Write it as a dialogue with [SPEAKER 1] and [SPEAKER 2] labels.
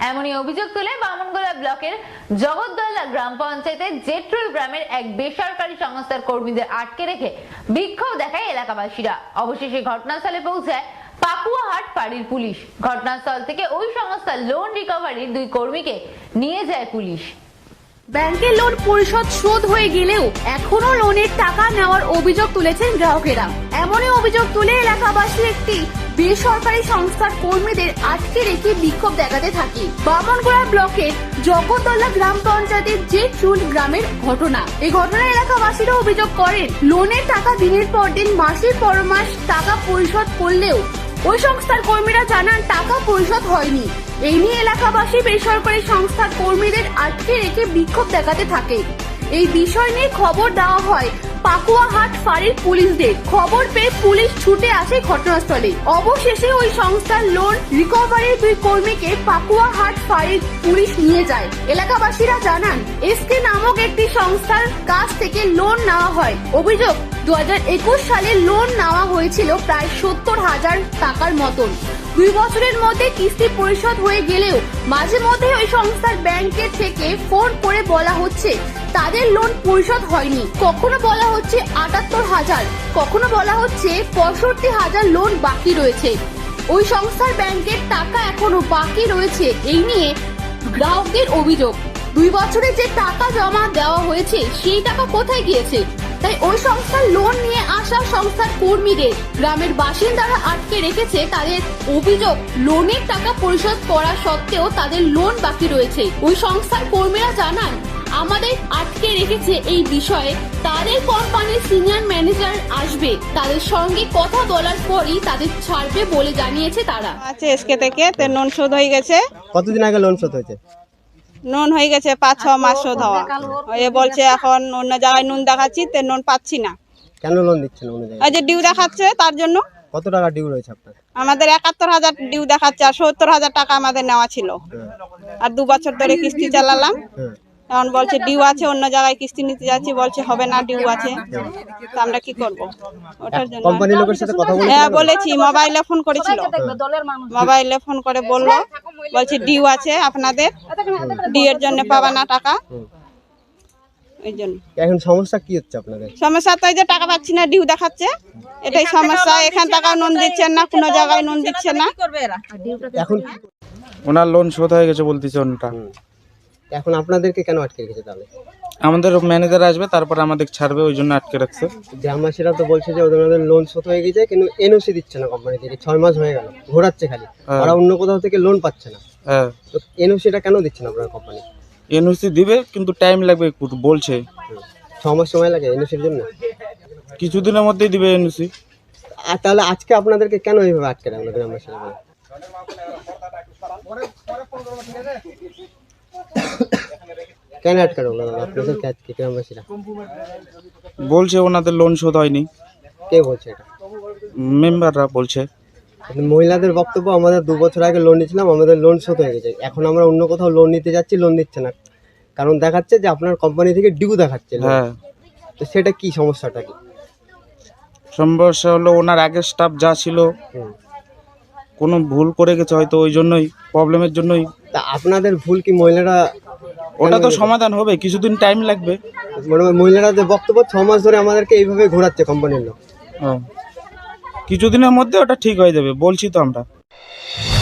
[SPEAKER 1] এমনই অভিযোগ তুলে বামনগোলা ব্লকের জগদ্দলা গ্রাম পঞ্চায়েতের জেট্রুল গ্রামের এক বেসরকারি সংস্থার কর্মীদের আটকে রেখে বিক্ষোভ দেখায় এলাকাবাসীরা। অবশেষে ঘটনাস্থলে পৌঁছায় পাকুয়াহাট ফাঁড়ির পুলিশ। ঘটনাস্থল থেকে ওই সংস্থার লোন রিকভারির 2 কর্মীকে নিয়ে যায় পুলিশ।
[SPEAKER 2] ব্যাংকের লোন পরিশোধ শোধ হয়ে গেলেও এখনো লোনের টাকা নেওয়ার অভিযোগ তুলেছেন গ্রাহকেরা। এমনই অভিযোগ তুলে এলাকাবাসী একটি বেসরকারি সংস্থার কর্মীদের আটকে রেখে বিক্ষোভ দেখাতে থাকে। বামনগোলা ব্লকের জগদ্দলা গ্রাম পঞ্চায়েতের জেট্রুল গ্রামের ঘটনা। এই ঘটনায় এলাকাবাসীরা অভিযোগ করেন, লোনের টাকা দিনের পর দিন মাসের পর মাস টাকা পরিশোধ করলেও ওই সংস্থার কর্মীরা জানান টাকা পরিশোধ হয়নি। এই নিয়ে এলাকাবাসী বেসরকারি সংস্থার কর্মীদের আটকে রেখে বিক্ষোভ দেখাতে থাকে। এই বিষয় নিয়ে খবর দেওয়া হয় পাকুয়াহাট ফাঁড়ির পুলিশদের। খবর পেয়ে পুলিশ ছুটে আসে ঘটনাস্থলে। অবশেষে ওই সংস্থার লোন রিকভারির 2 কর্মীকে পাকুয়াহাট ফাঁড়ির পুলিশ নিয়ে যায়। এলাকাবাসীরা জানান, এসকে নামক একটি সংস্থার কাছ থেকে লোন নেওয়া হয়। অভিযোগ, 2021 সালে লোন নেওয়া হয়েছিল প্রায় 70,000 টাকার মতন। 2 বছরের মধ্যে কিস্তি পরিশোধ হয়ে গেলেও মাঝে মধ্যে ওই সংস্থার ব্যাংকের থেকে ফোন করে বলা হচ্ছে তাদের লোন পরিশোধ হয়নি। কখনো বলা হচ্ছে 78,000, কখনো বলা হচ্ছে 65,000 লোন বাকি রয়েছে। ওই সংস্থার ব্যাংকের টাকা এখনো বাকি রয়েছে। এই নিয়ে গ্রাহকদের অভিযোগ, 2 বছরে যে টাকা জমা দেওয়া হয়েছে সেই টাকা কোথায় গিয়েছে? তাই ওই সংস্থার লোন নিয়ে আসা সংস্থার কর্মীদের গ্রামের বাসিন্দারা আটকে রেখেছে। তাদের অভিযোগ, লোনের টাকা পরিশোধ করা সত্ত্বেও তাদের লোন বাকি রয়েছে। ওই সংস্থার কর্মীরা জানান, আমাদের আটকে রেখেছে এই বিষয়ে তাদের কোম্পানির সিনিয়র ম্যানেজার আসবে, তাদের সঙ্গে কথা বলার পরই তাদের ছাড়বে বলে জানিয়েছে তারা।
[SPEAKER 3] আছে এসকে থেকে লোন শোধ হয়ে গেছে।
[SPEAKER 4] কতদিন আগে লোন শোধ হয়েছে?
[SPEAKER 3] নুন হয়ে গেছে 5-6 মাস শোধ হওয়া। এ বলছে এখন অন্য জায়গায় নুন দেখাচ্ছি, তো নুন পাচ্ছি না।
[SPEAKER 4] কেন লোন দিচ্ছেন অন্য জায়গায়?
[SPEAKER 3] ওই যে ডিউ দেখাচ্ছে তার জন্য।
[SPEAKER 4] কত টাকা ডিউ রয়েছে আপনার?
[SPEAKER 3] আমাদের 71,000 ডিউ দেখাচ্ছে, আর 70,000 টাকা আমাদের নেওয়া ছিল। আর 2 বছর ধরে কিস্তি চালালাম। এখন বলছে ডিউ আছে, অন্য জায়গায় কিস্তি নিতে যাচ্ছি, বলছে হবে না, ডিউ আছে। তো আমরা কি করব? ওটার জন্য
[SPEAKER 4] কোম্পানির লোকের সাথে কথা বলেছেন?
[SPEAKER 3] হ্যাঁ বলেছি, মোবাইলে ফোন করেছিল। মোবাইলে ফোন করে বলছে ডিউ আছে আপনাদের, ডিউ এর জন্য পাবা না টাকা। এই জন্য
[SPEAKER 4] এখন সমস্যা কি হচ্ছে আপনাদের?
[SPEAKER 3] সমস্যা তো এই যে টাকা পাচ্ছি না, ডিউ দেখাচ্ছে, এটাই সমস্যা। এখান টাকা নুন দিচ্ছেন না, কোনো জায়গায় নুন দিচ্ছে না।
[SPEAKER 4] এখন
[SPEAKER 5] ওনার লোন শোধ হয়ে গেছে বলতেছে ওনটা।
[SPEAKER 4] এখন আপনাদেরকে কেন আটকে রেখেছে তাহলে?
[SPEAKER 5] আমাদের ম্যানেজার আসবে, তারপর আমাদের ছাড়বে, ওই জন্য আটকে রাখছে।
[SPEAKER 4] গ্রামবাসীরা তো বলছে যে ওদের লোন শোধ হয়ে গেছে, কিন্তু এনওসি দিচ্ছে না কোম্পানি থেকে। 6 মাস হয়ে গেল, ঘোরাচ্ছে খালি। ওরা অন্য কোথাও থেকে লোন পাচ্ছে না।
[SPEAKER 5] হ্যাঁ,
[SPEAKER 4] তো এনওসিটা কেন দিচ্ছে না আপনার কোম্পানি?
[SPEAKER 5] এনওসি দিবে, কিন্তু টাইম লাগবে একটু বলছে।
[SPEAKER 4] 6 মাস সময় লাগে এনওসির জন্য?
[SPEAKER 5] কিছুদিনের মধ্যেই দিবে এনওসি।
[SPEAKER 4] আর তাহলে আজকে আপনাদেরকে কেন এইভাবে আটকে রাখলো গ্রামবাসীরা? কেন আটকে রাখলো আপনাদেরকে আজকে গ্রামবাসীরা?
[SPEAKER 5] বলছে ওনাদের লোন শোধ হয়নি।
[SPEAKER 4] কে বলছে এটা?
[SPEAKER 5] মেম্বাররা বলছে।
[SPEAKER 4] মহিলাদের বক্তব্য, আমাদের 2 বছর আগে লোন নিয়েছিলাম, আমাদের লোন শোধ হয়ে গেছে। এখন আমরা অন্য কোথাও লোন নিতে যাচ্ছি, লোন দিচ্ছে না, কারণ দেখাচ্ছে যে আপনার কোম্পানি থেকে ডিউ দেখাচ্ছে।
[SPEAKER 5] হ্যাঁ,
[SPEAKER 4] তো সেটা কি সমস্যাটা কি?
[SPEAKER 5] সমস্যা হলো ওনার আগের স্টাফ যা ছিল কোনো ভুল করে গেছে হয়তো, ওই জন্যই, প্রবলেমের জন্যই।
[SPEAKER 4] তা আপনাদের ভুল কি মহিলারা?
[SPEAKER 5] ওটা তো সমাধান হবে, কিছুদিন টাইম লাগবে।
[SPEAKER 4] মানে মহিলাদের বক্তব্য 6 মাস ধরে আমাদেরকে এইভাবে ঘোরাচ্ছে কোম্পানির লোক।
[SPEAKER 5] কিছুদিনের মধ্যে ওটা ঠিক হয়ে যাবে, বলছি তো আমরা।